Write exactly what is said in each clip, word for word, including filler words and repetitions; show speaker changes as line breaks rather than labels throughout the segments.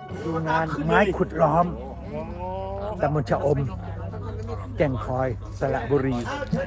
ดูงานไม้ขุดล้อมตำบลชะอมแก่งคอยสระบุรี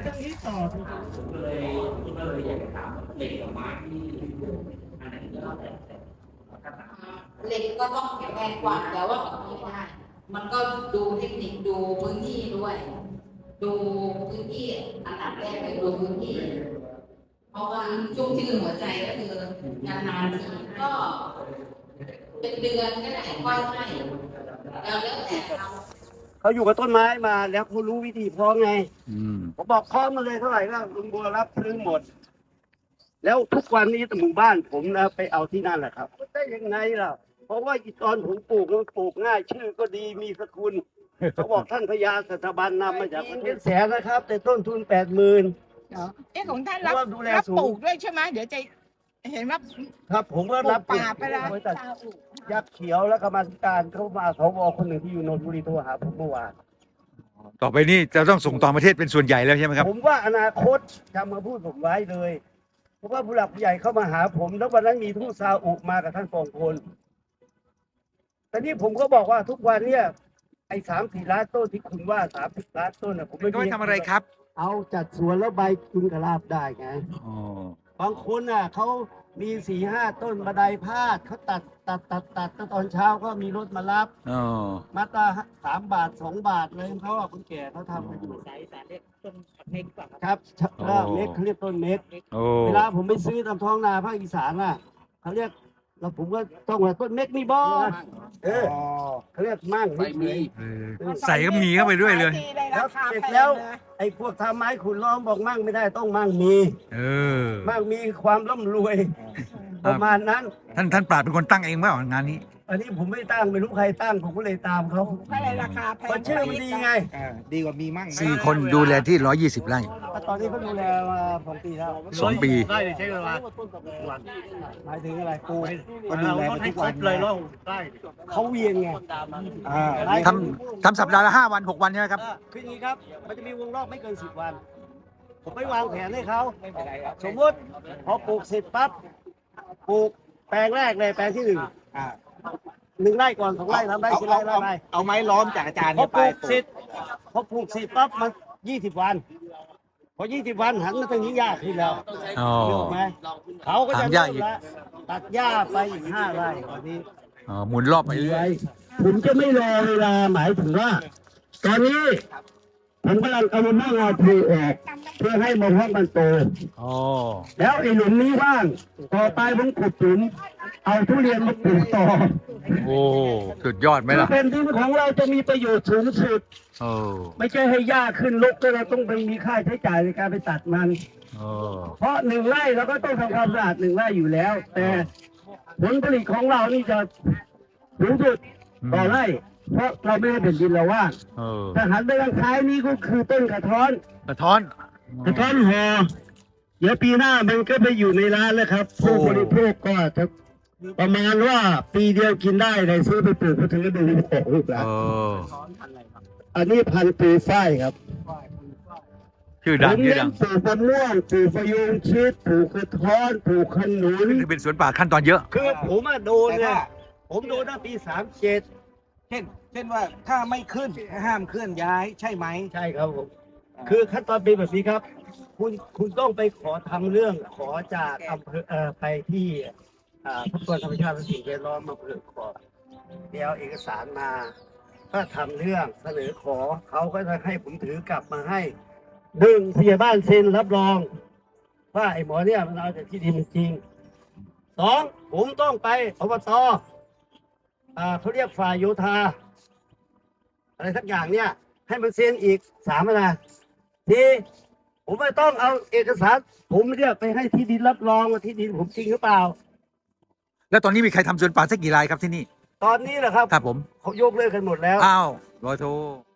เหล็กก็ต้องแข็งแรงกว่าแต่ว่าแบบนี้ไม่ได้มันก็ดูเทคนิคดูพื้นที่ด้วย ดูพื้นที่อันดับแรกเลยดูพื้นที่เพราะว่าชุ่มชื่นหัวใจก็คืองานนานทีก็เป็นเดือนก็ได้ค่อยให้แล้วแล้วแต่เรา
เขาอยู่กับต้นไม้มาแล้วเขารู้วิธีเพาะไง
อืม
ผมบอกเพาะมาเลยเท่าไหร่ก็ลุงบัวรับซื้อหมด แล้วทุกวันนี้หมู่บ้านผมนะไปเอาที่นั่นแหละครับได้ยังไงล่ะ เพราะว่าอีตอนผมปลูกมันปลูกง่ายชื่อก็ดีมีสกุลเขาบอกท่านพญาสถาบันนำมาจากประเทศแสนนะครับ แต่ต้นทุนแปดหมื่น
เอ๊ะของท่านรับ
ว่าดูแล
รับ
สูง
ปลูกด้วยใช่ไหมเดี๋ยวจะเห็นว่า
ครับ ผมก็รับ
ปลูกป่าไปแล้ว
บริษัทยักษ์เขียวและกรรมาธิการเข้ามาสวคนหนึ่งที่อยู่นนทบุรีโทรหาผมเมื่อวาน
ต่อไปนี้จะต้องส่งต่างประเทศเป็นส่วนใหญ่แล้วใช่ไหมครับ
ผมว่าอนาคตจำมาพูดผมไว้เลย เพราะว่าผู้หลักผู้ใหญ่เข้ามาหาผม แล้ววันนั้นมีทูตซาอุมากับท่านปองพลแต่นี่ผมก็บอกว่าทุกวันเนี่ยไอ้สามสี่ล้านต้นที่คุณว่าสามสิบล้านต้นน่ะผมไม่
ก็ไม่ทำอะไรครับ
เอาจัดสวนแล้วใบคุณกระลาบได้ไง
อ๋อ
บางคนน่ะเขามีสี่ห้าต้นบันไดพาดเขาตัดตัดตัดตัดตัดตอนเช้าก็มีรถมารับ
อ๋อ
มาตราสามบาทสองบาทเลยเขาอ่ะคนแก่เขาทำกันอยู่
สายสายเล็กต้นเม็กป่ะครับ
ครับก็เม็ดเขาเรียกต้นเม็ด
โอ้
เวลาผมไปซื้อตามท้องนาภาคอีสานน่ะเขาเรียกเราผมก็ต้องว่าต้นเม็ดมีบอเออเขาเรียกมั่งไม่มี
เออใส่ก็มีเข้าไปด้วยเลย
ได้ราคา
เสร็จ
แพง
แล้ว
นะ
ไอ้พวกทำไม้ขุนล้อมบอกมั่งไม่ได้ต้องมั่งมี
เออ
มั่งมีความร่ำรวย ประมาณนั้น
ท่านท่านปราดเป็นคนตั้งเองเปล่างานนี้
อันนี้ผมไม่ตั้งไม่รู้ใครตั้งผมก็เลยตามเขา
ถ้าอะไรราคาแพง
เพราะชื่อมันดีไง
ดีกว่ามีมั่ง
สี่คนดูแลที่ร้อยยี่สิบไร่
ตอนนี้เขาดูแลมาสองปีแล้ว
สองปี
ได้ใช้เวลาหมายถึงอะไรปูก็ดูแลทุกวันเลยเนาะเขาเวียนไงอ่า
ทำทำสัปดาห์ละห้าวันหกวันใช่ไหมครับ
คืออย่างนี้ครับ มันจะมีวงรอบไม่เกินสิบวัน ผมไม่วางแผนให้เขาสมมติพอปลูกเสร็จปั๊บปลูกแปลงแรกเลยแปลงที่หนึ่ง
อ่า
หนึ่งไร่ก่อนสองไร่สามไร่
เอา
สี่ไร่
เอา
ไร่
เอาเอาไม้ล้อมจากอาจารย์
พอ
เนี่ย
ป
ไป
ลูกเสร็จพอปลูกเสร็จปั๊บมันยี่สิบวัน พอยี่สิบวันหันมาตรงนี้ยากขึ้นแล้ว
อ๋อ
เห็นไหมเขาก็จะ
ถามหญ้า
เริ่ม
อีก
ละตัดหญ้าไปอีกห้าไร่ตอนนี้
อ๋อหมุนรอบไปเรื่อย
ผมจะไม่รอเวลาหมายถึงว่า ตอนนี้ผมกำลังเอามะนาวปลูกออกเพื่อให้มะพร้าวมันโต
อ๋อ
แล้วไอ้หลุมนี้ว่าง ต่อไปผมขุดหลุมเอาทุเรียนมาปลูกต่อ
โอ้สุดยอดไหมล่ะ
เป็นดินของเราจะมีประโยชน์สูงสุด
โอ้
ไม่ใช่ให้หญ้าขึ้นรกแล้วเราต้องไปมีค่าใช้จ่ายในการไปตัดมัน
โอ้
เพราะหนึ่งไร่เราก็ต้องทำความสะอาดหนึ่งไร่อยู่แล้ว แต่ผลผลิตของเรานี่จะสูงสุดต่อไร่ เพราะเราไม่ได้เป็นดินเราว่าง
เออ
ถ้าหันไปทางซ้ายนี่ก็คือต้นกระท้อน
กระท้อน
กระท้อนห่อเดี๋ยวปีหน้ามันก็ไปอยู่ในร้านแล้วครับผู้บริโภคก็จะประมาณว่าปีเดียวกินได้เลยซื้อไปปลูกก็ถึงจะดูออกลูก
เอ
แล้ว
อ
อันนี้พันธุ์ปูฝ้ายครับ
ชื่อ
ผ
ดัง
ม
ชื่อ
เน้
ดั
น
ง
ปลูกมะม่วงปลูกพะยุงชิดปลูกกระท้อนปลูกขนุน
คือเป็นสวนป่าขั้นตอนเยอะ
คือผมอะโดนเนี่ยผมโดนตั้งปีสามเจ็ด
เช่น เช่นว่าถ้าไม่ขึ้นห้ามเคลื่อนย้ายใช่ไหม
ใช่ครับผม คือขั้นตอนเป็นแบบนี้ครับ คุณคุณต้องไปขอทำเรื่องขอจากอำเภอเอ่อไปที่อ่าทรัพยากรธรรมชาติและสิ่งแวดล้อมอำเภอขอบเดี๋ยวเอกสารมา ถ้าทำเรื่องเสนอขอเขาก็จะให้ผมถือกลับมาให้หนึ่งพยาบ้านเซ็นรับรอง ว่าไอ้หมอเนี่ยมันเอาจากที่ดินจริงสองผมต้องไปอบตอ่าเขาเรียกฝ่ายโยธา อะไรสักอย่างเนี่ย ให้มันเซ็นอีกสามนะที่ผมไม่ต้องเอาเอกสาร ผมเนี่ยไปให้ที่ดินรับรองว่าที่ดินผมจริงหรือเปล่า
แล้วตอนนี้มีใครทำสวนป่าสักกี่รายครับที่นี่
ตอนนี้แหละครับ
ครับผม
เขายกเลิกกันหมดแล้ว
อ้าวรอยโท